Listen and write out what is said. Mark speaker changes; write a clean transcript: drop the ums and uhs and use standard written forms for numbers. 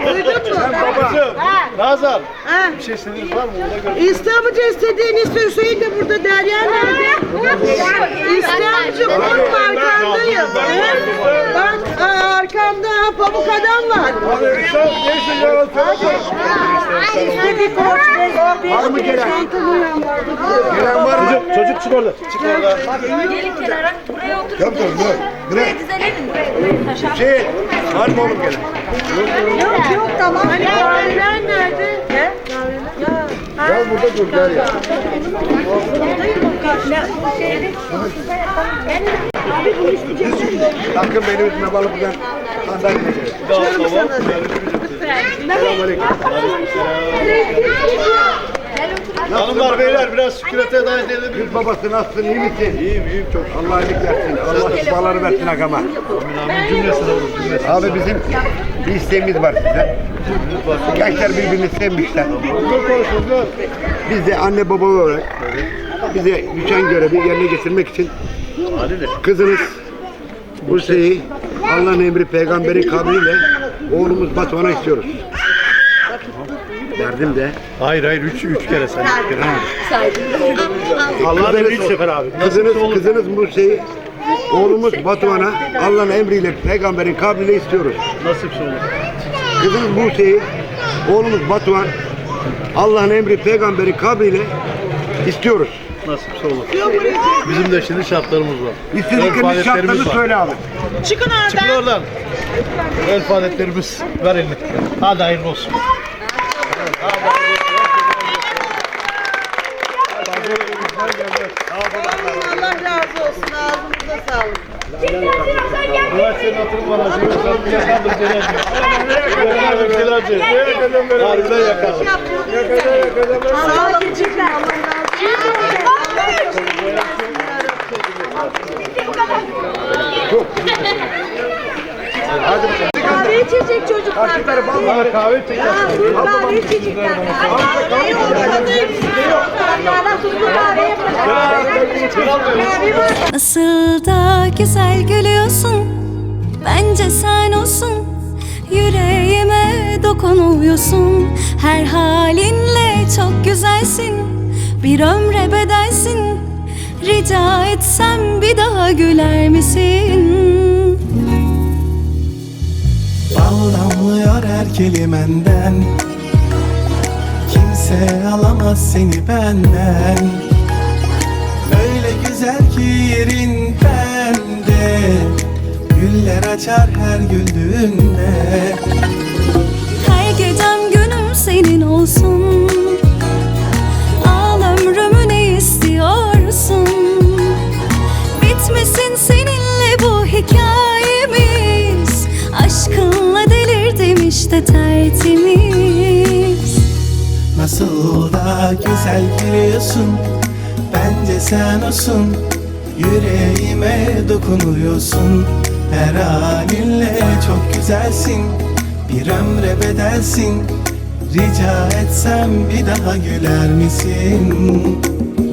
Speaker 1: Duydun mu?
Speaker 2: Babacığım, Nazan.
Speaker 1: Ha.
Speaker 2: Bir şey istediğiniz var mı? Ona göre.
Speaker 1: İstanbul'da istediğini iste. Hüseyin de burada. Derya nerede? İstanbul'cum korkma arkandayım. Bak arkamda pamuk adam var. İstediği koç.
Speaker 3: Var mı gelen?
Speaker 1: Gelen
Speaker 3: var mı?
Speaker 2: Çocuk çık orada. Çık orada.
Speaker 4: Gelin kenara. Buraya otur.
Speaker 3: Yok dur.
Speaker 4: Buraya dizelenin.
Speaker 3: Şey, var mı oğlum gelen?
Speaker 1: Yok tamam. Hani kahveler nerede?
Speaker 3: Gel burada dur gel ya. Sakın benim üstüme balık buradan sandalye. Selamünaleyküm.
Speaker 2: Hanımlar beyler biraz sükunete davet edebilir.
Speaker 3: Kız babası nasılsın, iyi misin?
Speaker 2: İyiyim çok.
Speaker 3: Allah iyilik versin. Allah şifaları versin agama.
Speaker 2: Amin cümlesine olur cümlesine.
Speaker 3: Abi bizim bir isteğimiz var size. Gençler birbirini sevmişler. Biz de anne baba olarak bize düşen görevi yerine getirmek için kızınız Buse'yi Allah'ın emri peygamberi kabriyle oğlumuz Batuhan'a istiyoruz. Verdim de.
Speaker 2: Hayır üç kere sen.
Speaker 3: Allah'ın
Speaker 2: Üç sefer abi.
Speaker 3: Kızınız Buse'yi oğlumuz Batuhan'a Allah'ın emriyle peygamberin kabriyle istiyoruz.
Speaker 2: Nasipse olur.
Speaker 3: Kızımız Buse'yi oğlumuz Batuhan Allah'ın emri peygamberin kabriyle istiyoruz.
Speaker 2: Nasipse olur. Bizim de şimdi şartlarımız var.
Speaker 3: İstedikleriniz şartlarını söyle abi.
Speaker 1: Çıkın oradan.
Speaker 2: Çıkın oradan. El faaliyetlerimiz ver elini. Hadi hayırlı olsun.
Speaker 1: Allah razı olsun. Ağzınıza sağlık.
Speaker 2: Üniversitenin hatırım var. Yakandır Celal'cığım. Harbiden yakalım.
Speaker 1: Sağ olun. Çocuklar. Kahve içecek çocuklar.
Speaker 2: Bana kahve çeker.
Speaker 1: Kahve içecekler. Kahve olmadı. Onlarla tuzlu kahve yapacağız.
Speaker 5: Nasıl da güzel gülüyorsun, bence sen olsun. Yüreğime dokunuyorsun, her halinle çok güzelsin. Bir ömre bedelsin, rica etsem bir daha güler misin?
Speaker 6: Bal damlıyor her kelimenden, kimse alamaz seni benden. Öyle güzel ki yerin bende, güller açar her güldüğünde.
Speaker 5: Her gecem günüm senin olsun, al ömrümü ne istiyorsun? Bitmesin seninle bu hikayemiz, aşkınla delirdim işte tertemiz.
Speaker 6: Nasıl da güzel gülüyorsun, bence sen olsun. Yüreğime dokunuyorsun, her halinle çok güzelsin. Bir ömre bedelsin, rica etsem bir daha güler misin?